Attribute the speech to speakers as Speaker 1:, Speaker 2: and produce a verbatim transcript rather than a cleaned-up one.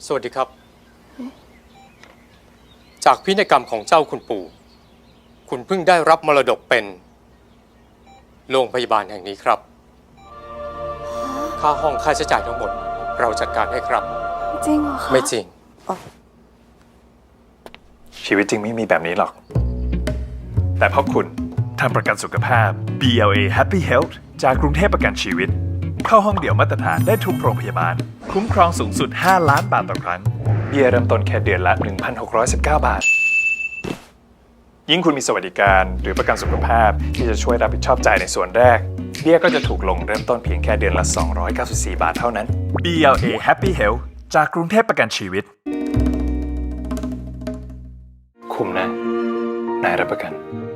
Speaker 1: สวัสดีครับ จากพินัยกรรมของเจ้าคุณปู่ คุณเพิ่งได้รับมรดกเป็นโรงพยาบาลแห่งนี้ครับ ค่าห้องค่าใช้จ่ายทั้งหมด เราจัดการให้ครับ
Speaker 2: จริงเหรอคะ
Speaker 1: ไม่จริง
Speaker 3: ชีวิตจริงไม่มีแบบนี้หรอก แต่เพราะคุณทำประกันสุขภาพ บี แอล เอ Happy Health จากกรุงเทพประกันชีวิต เข้าห้องเดี่ยวมาตรฐานได้ทุกโรงพยาบาล คุ้มครองสูงสุด ห้า ล้านบาทต่อครั้ง เบี้ยเริ่มต้นแค่เดือนละ หนึ่งพันหกร้อยสิบเก้า บาท ยิ่งคุณมีสวัสดิการหรือประกันสุขภาพที่จะช่วยรับผิดชอบจ่ายในส่วนแรก เบี้ยก็จะถูกลงเริ่มต้นเพียงแค่เดือนละ สองร้อยเก้าสิบสี่ บาทเท่านั้น บี แอล เอ Happy Health จากกรุงเทพประกันชีวิต คุ้มนะ นายรับประกัน